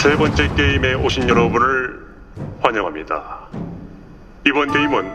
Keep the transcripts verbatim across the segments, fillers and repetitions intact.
세 번째 게임에 오신 여러분을 환영합니다. 이번 게임은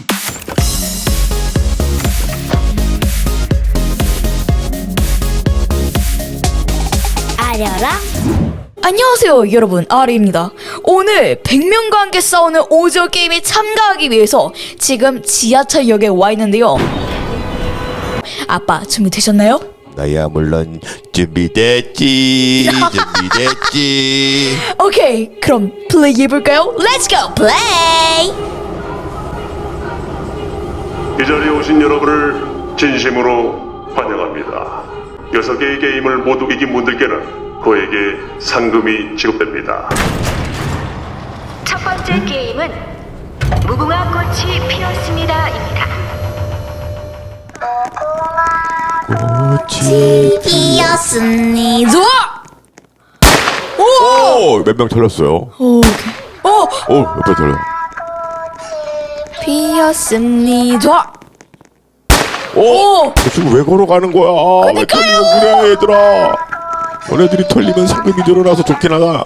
알려라. 안녕하세요 여러분, 아리입니다. 오늘 백 명과 함께 싸우는 오징어 게임에 참가하기 위해서 지금 지하철역에 와 있는데요. 아빠 준비되셨나요? 나야 물론 준비됐지. 준비됐지. 오케이, 그럼 플레이 해볼까요? Let's go play! 이 자리에 오신 여러분을 진심으로 환영합니다. 여섯 개의 게임을 모두 이긴 분들께는 그에게 상금이 지급됩니다. 첫 번째 게임은 무궁화 꽃이 피었습니다입니다. 꽃이 피었습니다. 오! 오! 몇 명 털렸어요? 오케이. 오! 오! 몇 명 털려? 피었습니다. 오! 저 친구 왜 걸어가는 거야? 왜 털리고 그래 얘들아? 너네들이 털리면 상금이 늘어나서 좋긴 하다.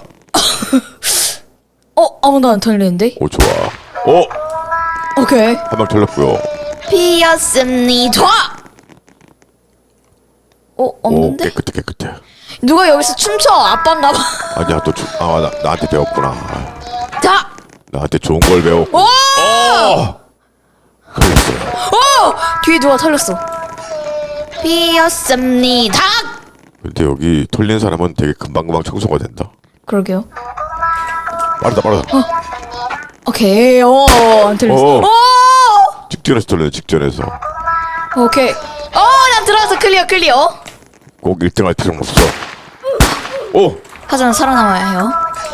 어? 아무도 안 털리는데? 오 좋아. 오! 오케이. 한 명 털렸고요. 피었습니다. 어? 오 없는데? 깨끗해 깨끗해. 누가 여기서 춤춰? 아빠인가 봐. 아니야 또 주, 아 나, 나한테 배웠구나. 자! 나한테 좋은 걸 배웠고. 오! 어! 털렸어요. 오! 뒤에 누가 털렸어. 피었습니다. 근데 여기 털린 사람은 되게 금방금방 청소가 된다. 그러게요. 빠르다 빠르다. 오케이. 오, 안 털렸어. 오. 오! 직전에서 털려 직전에서. 오케이. 어, 난 들어와서 클리어 클리어. 꼭 일 등 할 필요는 없어. 오! 하지만 살아남아야 해요.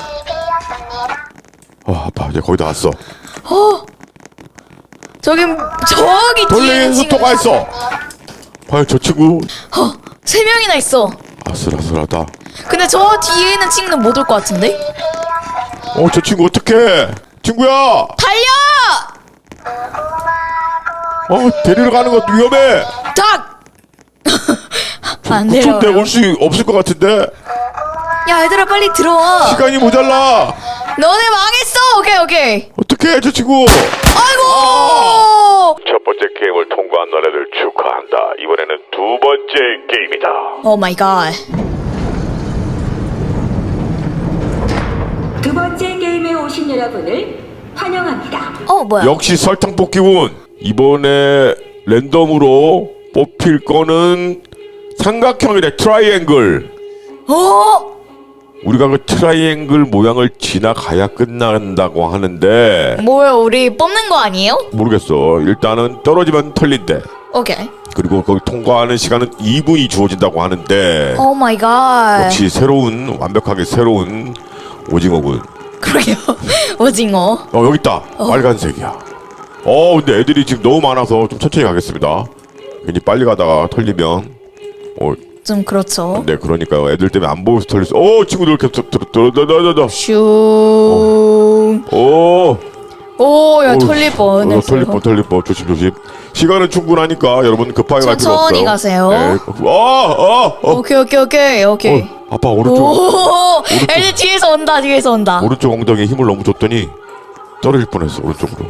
아 아파 이제 거의 다 왔어. 어. 저기 저기 뒤에 돌리는 있는 친구. 속도가 있어. 과연 저 친구 어, 세 명이나 있어. 아슬아슬하다. 근데 저 뒤에 있는 친구는 못 올 것 같은데? 어 저 친구 어떡해. 친구야. 달려! 어 데리러 가는 것도 위험해. 딱! 안 구촌 때 내려와요. 올 수 없을 것 같은데. 야, 얘들아 빨리 들어와. 시간이 모자라. 너네 망했어. 오케이 오케이. 어떡해 저 친구. 아이고. 첫 번째 게임을 통과한 너네들 축하한다. 이번에는 두 번째 게임이다. 오 마이 갓. 두 번째 게임에 오신 여러분을 환영합니다. 어 뭐야? 역시 설탕 뽑기군. 이번에 랜덤으로 뽑힐 거는 삼각형이래. 트라이앵글. 어? 우리가 그 트라이앵글 모양을 지나가야 끝난다고 하는데 뭐야, 우리 뽑는 거 아니에요? 모르겠어. 일단은 떨어지면 털린대. 오케이. 그리고 거기 통과하는 시간은 이 분이 주어진다고 하는데 오 마이 갓. 역시 새로운 완벽하게 새로운 오징어군. 그러게요. 오징어. 어 여기 있다. 빨간색이야. 어 근데 애들이 지금 너무 많아서 좀 천천히 가겠습니다. 괜히 빨리 가다가 털리면 어 좀 그렇죠. 네 그러니까요. 애들 때문에 안 보여서 털렸어. 오 친구들 이렇게 들어들어들어들어. 슝. 오. 오, 야 어우, 털릴 뻔. 어, 털릴 뻔, 털릴 뻔. 조심, 조심. 시간은 충분하니까 여러분 급하게 갈 필요 없어요. 천천히 가세요. 네. 어, 어, 어. 오케이 오케이 오케이 오케이. 어, 아빠 오른쪽, 오, 애들 뒤에서 온다, 뒤에서 온다. 오른쪽 엉덩이에 힘을 너무 줬더니 떨어질 뻔했어 오른쪽으로.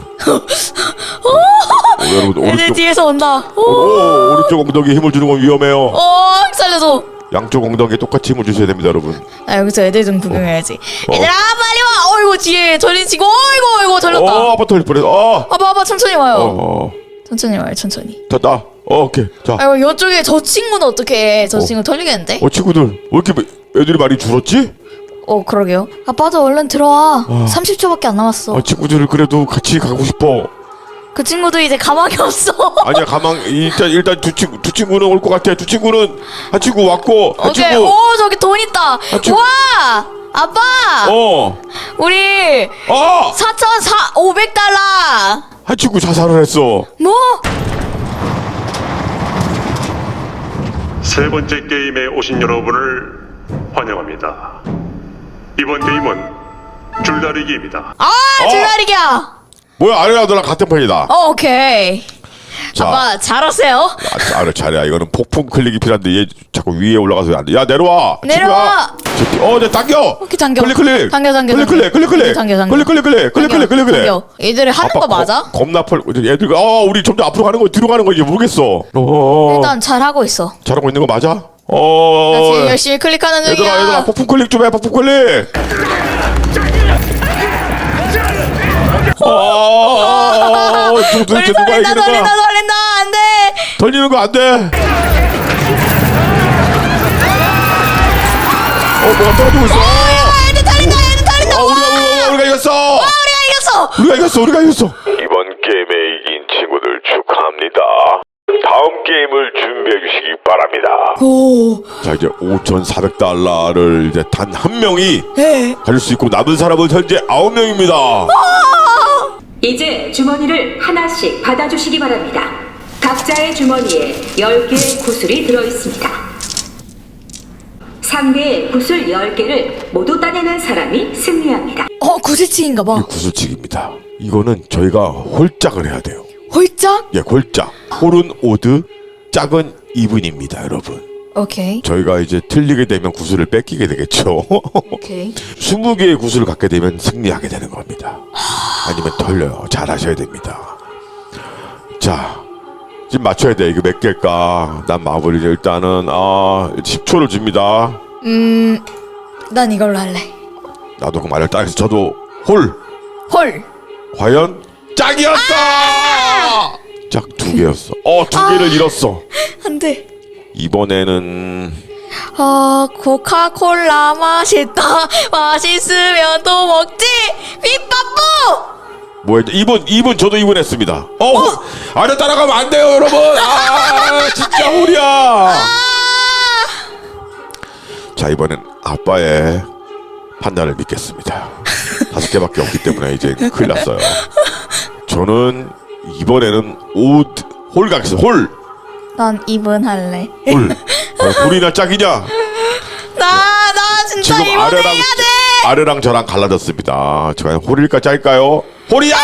어, 여러분 애들 오른쪽, 뒤에서 온다. 오, 오, 오른쪽 엉덩이에 힘을 주는 건 위험해요. 오, 살려줘. 양쪽 엉덩이에 똑같이 힘을 주셔야 됩니다, 여러분. 아, 여기서 애들 좀 구경해야지. 어. 얘들아 빨리 와. 어이구 뒤에 털린 친구. 어이구 어이구 털렸다. 어, 아빠 털릴 뻔했어. 어, 아빠 아빠 천천히 와요. 어, 어. 천천히 와요, 천천히. 됐다. 어, 오케이. 자, 아이고 이쪽에 저 친구는 어떻게 해? 저 친구 털리겠는데? 어 친구들 왜 이렇게 애들이 많이 줄었지? 어 그러게요. 아빠도 얼른 들어와. 삼십 초밖에 안 남았어. 아, 친구들 그래도 같이 가고 싶어. 그 친구도 이제 가망이 없어. 아니야 가만 일단 일단 두 친구 두 친구는 올 것 같아. 두 친구는 한 친구 왔고 한 오케이. 친구 오 저기 돈 있다. 친구- 와 아빠. 어. 우리 어! 사천오백 달러. 한 친구 자살을 했어. 뭐? 세 번째 게임에 오신 여러분을 환영합니다. 이번 게임은 줄다리기입니다. 아 줄다리기야. 뭐야 아래랑 너랑 같은 편이다. 어 오케이. 자. 아빠 잘하세요. 아, 잘해 잘해. 이거는 폭풍 클릭이 필요한데 얘 자꾸 위에 올라가서 안 돼. 야 내려와. 내려와. 친구야. 어, 네, 당겨. 오케이, 당겨. 클릭 클릭. 당겨, 당겨, 클릭 클릭 클릭 클릭. 당겨, 당겨. 클릭 클릭 클릭 클릭 클릭 클릭 클릭. 당겨. 얘들이 하는 거 맞아? 겁, 겁나 펄. 애들 어, 우리 점점 앞으로 가는 거 뒤로 가는 거 이제 모르겠어. 어. 일단 잘 하고 있어. 잘하고 있는 거 맞아? 나 어. 지금 열심히 클릭하는 중이야. 얘들아, 얘들아, 폭풍 클릭 좀 해. 폭풍 클릭. 어. 도대체 우리 누가 돌린다, 이기는 돌린다, 거야? 돌린다. 안 돼. 돌리는 거 안 돼. 어, 뭐가 떨어지고 있어. 아, 얘들 달린다, 얘들 달린다. 어, 우리가, 우리가, 우리가 이겼어. 와, 우리가 이겼어. 우리가 이겼어. 우리가 이겼어. 이번 게임에 이긴 친구들 축하합니다. 다음 게임을 준비해 주시기 바랍니다. 오. 자, 이제 오천사백 달러를 이제 단 한 명이 네. 가질 수 있고 남은 사람은 현재 아홉 명입니다. 이제 주머니를 하나씩 받아주시기 바랍니다. 각자의 주머니에 열 개의 구슬이 들어있습니다. 상대의 구슬 열 개를 모두 따내는 사람이 승리합니다. 어, 구슬치기인가 봐. 구슬치기입니다. 이거는 저희가 홀짝을 해야 돼요. 홀짝? 예, 홀짝. 홀은 오드, 짝은 이분입니다, 여러분. 오케이. 저희가 이제 틀리게 되면 구슬을 뺏기게 되겠죠. 오케이. 스무 개의 구슬을 갖게 되면 승리하게 되는 겁니다. 아니면 털려요. 잘 하셔야 됩니다. 자, 지금 맞춰야 돼. 이거 몇 개일까? 난 마블이 일단은 아 십 초를 줍니다. 음, 난 이걸로 할래. 나도 그 말을 따라서 저도 홀. 홀. 과연 짝이었어. 짝 두 개였어. 어, 두 개를 잃었어. 안 돼. 이번에는 어, 코카콜라 맛있다. 맛있으면 또 먹지. 빗밥부. 뭐였죠? 이 분, 이 분 저도 이 분 했습니다. 어, 홀. 아래 따라가면 안 돼요, 여러분. 아, 진짜 홀이야. 자, 이번엔 아빠의 판단을 믿겠습니다. 다섯 개밖에 없기 때문에 이제 큰일 났어요. 저는 이번에는 옷, 홀 가겠습니다. 홀. 난 이분 할래. 홀. 과연 홀이나 짝이냐? 나, 나 진짜 지금 이분 아래랑, 해야 돼. 아래랑 저랑 갈라졌습니다. 저 과연 홀일까 짤까요? 홀이야!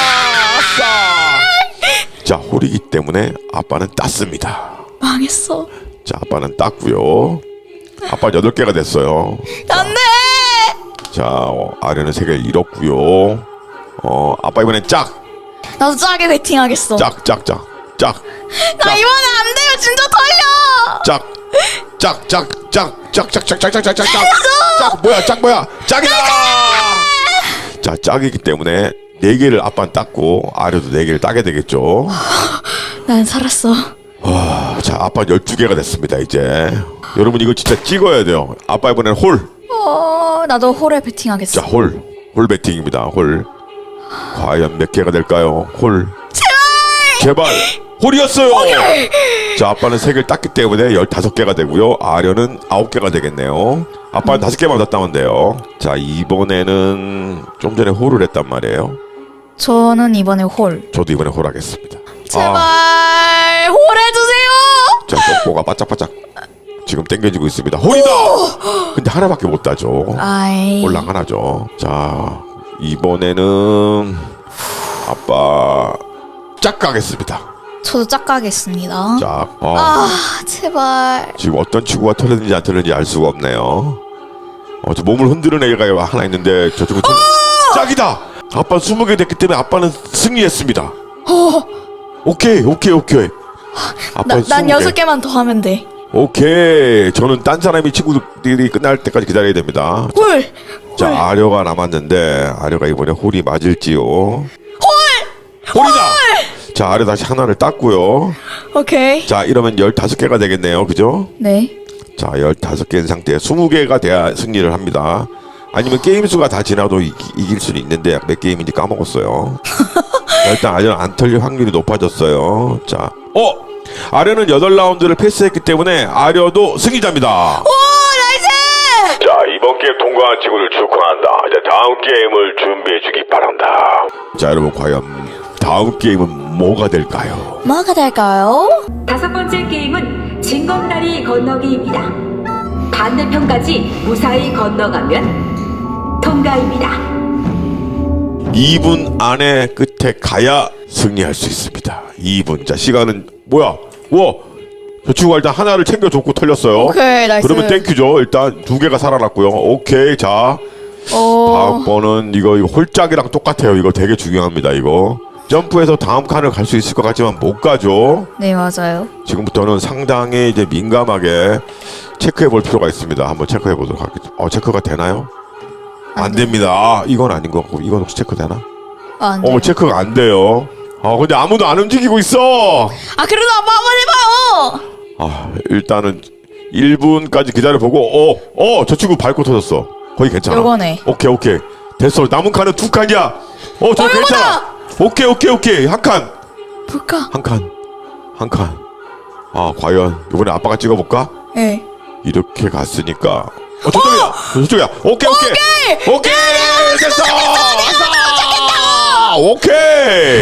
아싸! 자, 홀이기 때문에 아빠는 땄습니다. 망했어. 자, 아빠는 땄고요. 아빠 여덟 개가 됐어요. 안 돼. 자, 어, 아래는 세 개를 잃었고요. 어, 아빠 이번엔 짝! 나도 짜게 베팅 하겠어. 짝, 짝, 짝, 짝. 나 이번에 안 돼요. 진짜 털려. 짝, 짝, 짝, 짝, 짝, 짝, 짝, 짝, 짝, 짝, 짝, 짝, 짝, 뭐야, 짝 뭐야, 짝이다! 자, 짝이기 때문에 네 개를 아빠는 땄고 아래도 네 개를 따게 되겠죠. 난 살았어. 아, 자, 아빠 열두 개가 됐습니다, 이제. 여러분, 이거 진짜 찍어야 돼요. 아빠 이번엔 홀. 어, 나도 홀에 베팅 하겠어. 자, 홀. 홀 배팅입니다, 홀. 과연 몇 개가 될까요? 홀. 제발! 제발! 홀이었어요! 자, 아빠는 세 개를 땄기 때문에 열다섯 개가 되고요. 아련은 아홉 개가 되겠네요. 아빠는 다섯 개만 더 따면 돼요. 자, 이번에는 좀 전에 홀을 했단 말이에요. 저는 이번에 홀. 저도 이번에 홀 하겠습니다. 제발 아, 홀 해주세요. 자, 똥꼬가 바짝바짝 지금 땡겨지고 있습니다. 홀이다! 근데 하나밖에 못 따죠. 아이. 홀랑 하나죠. 자, 이번에는 아빠 짝 가겠습니다. 저도 짝 가겠습니다. 짝. 어. 아, 제발. 지금 어떤 친구가 털렸는지 안 털렸는지 알 수가 없네요. 어, 저 몸을 흔드는 애가 하나 있는데 저쪽은 털... 짝이다! 아빠 스무 개 됐기 때문에 아빠는 승리했습니다. 오케이, 오케이, 오케이. 아빠 나, 난 여섯 개만 더 하면 돼. 오케이. 저는 딴 사람이 친구들이 끝날 때까지 기다려야 됩니다. 홀. 자, 홀. 아려가 남았는데 아려가 이번에 홀이 맞을지요. 홀! 홀이다! 자, 아려 다시 하나를 땄고요. 오케이. 자, 이러면 열다섯 개가 되겠네요. 그죠? 네. 자, 열다섯 개인 상태에 스무 개가 돼야 승리를 합니다. 아니면 게임 수가 다 지나도 이, 이길 수는 있는데 몇 게임인지 까먹었어요. 자, 일단 아려는 안 털릴 확률이 높아졌어요. 자, 어! 아려는 여덟 라운드를 패스했기 때문에 아려도 승리자입니다. 오, 나이스! 자, 이번 게임 통과한 친구들 축하한다. 이제 다음 게임을 준비해 주기 바란다. 자, 여러분 과연 다음 게임은 뭐가 될까요? 뭐가 될까요? 다섯 번째 게임은 징검다리 건너기입니다. 반대편까지 무사히 건너가면 통과입니다. 이 분 안에 끝에 가야 승리할 수 있습니다. 이 분. 자, 시간은 뭐야? 와, 저 친구가 일단 하나를 챙겨줬고 털렸어요. 오케이, 나이스. 그러면 땡큐죠. 일단 두 개가 살아났고요. 오케이, 자 어. 다음 번은 이거, 이거 홀짝이랑 똑같아요. 이거 되게 중요합니다. 이거 점프해서 다음 칸을 갈 수 있을 것 같지만 못 가죠. 네, 맞아요. 지금부터는 상당히 이제 민감하게 체크해 볼 필요가 있습니다. 한번 체크해 보도록 하겠습니다. 어, 체크가 되나요? 안 됩니다. 아, 이건 아닌 것 같고, 이건 혹시 체크 되나? 아, 안 돼요. 어, 체크가 안 돼요. 아, 근데 아무도 안 움직이고 있어. 아, 그래도 아빠 한번 해봐요. 아, 일단은 일 분까지 기다려보고, 어, 어, 저 친구 밟고 터졌어. 거의 괜찮아. 요거네. 오케이, 오케이. 됐어. 남은 칸은 두 칸이야. 어, 저 어, 괜찮아. 요거다. 오케이, 오케이, 오케이. 한 칸. 볼까? 한 칸. 한 칸. 아, 과연 이번에 아빠가 찍어볼까? 네. 이렇게 갔으니까. 어, 저쪽이야. 저쪽이야. 오케이, 오케이. 오케이. 오케이. 됐어. 됐어. 오케이.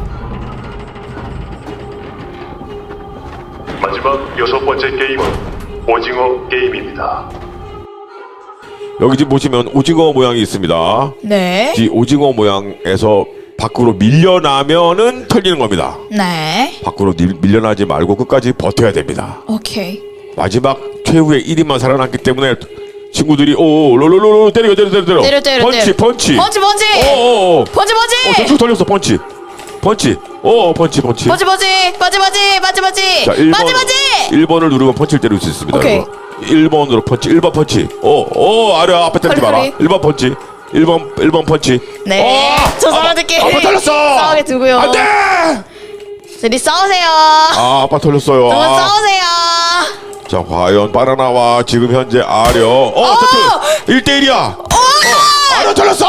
마지막 여섯 번째 게임은 오징어 게임입니다. 여기 지금 보시면 오징어 모양이 있습니다. 네. 이 오징어 모양에서 밖으로 밀려나면은 털리는 겁니다. 네. 밖으로 밀, 밀려나지 말고 끝까지 버텨야 됩니다. 오케이. 마지막 최후의 일 인만 살아남기 때문에 친구들이 오 롤롤롤 때려 때려 때려 때려 때려, 때려, 펀치 때려. 펀치 펀치, 펀치. 오오오 펀치, 펀치. 어, 저쪽 털렸어 펀치 펀치 오 펀치 펀치 펀치, 펀치. 펀치, 펀치. 펀치, 펀치. 자 일 번 펀치, 펀치. 일 번을 누르면 펀치를 때릴 수 있습니다. 오케이. 일 번으로 펀치 일 번 펀치 오오 아래 앞에 때리지 허리, 마라 허리. 일 번 펀치 일 번 일 번 펀치 네. 어! 저 사람들끼리 아빠 털렸어 싸우게 두고요. 안돼 둘이 싸우세요. 아 아빠 털렸어요. 두 분 아. 싸우세요. 자 과연 바나나와 지금 현재 아려 어 저쪽 일 대 일이야 어 아려 털렸어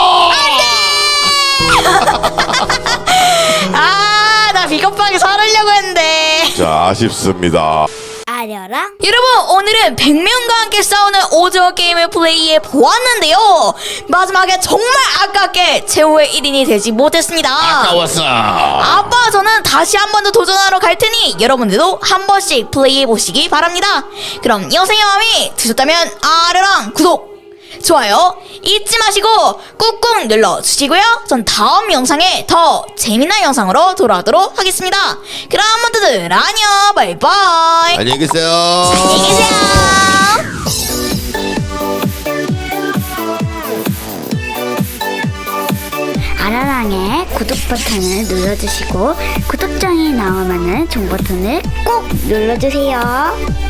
아, 나 비겁하게 살으려고 했는데. 자 아쉽습니다. 아려랑 여러분, 오늘은 백 명과 함께 싸우는 오징어 게임을 플레이해 보았는데요. 마지막에 정말 아깝게 최후의 일 인이 되지 못했습니다. 아까웠어. 아빠, 저는 다시 한 번 더 도전하러 갈 테니 여러분들도 한 번씩 플레이해 보시기 바랍니다. 그럼 영상이 마음에 드셨다면 아르랑 구독, 좋아요 잊지 마시고 꾹꾹 눌러주시고요. 전 다음 영상에 더 재미난 영상으로 돌아오도록 하겠습니다. 그럼 모두들 안녕, 바이바이. 안녕히 계세요. 안녕히 계세요. 아라랑의 구독 버튼을 눌러주시고 구독장이 나오면은 종 버튼을 꼭 눌러주세요.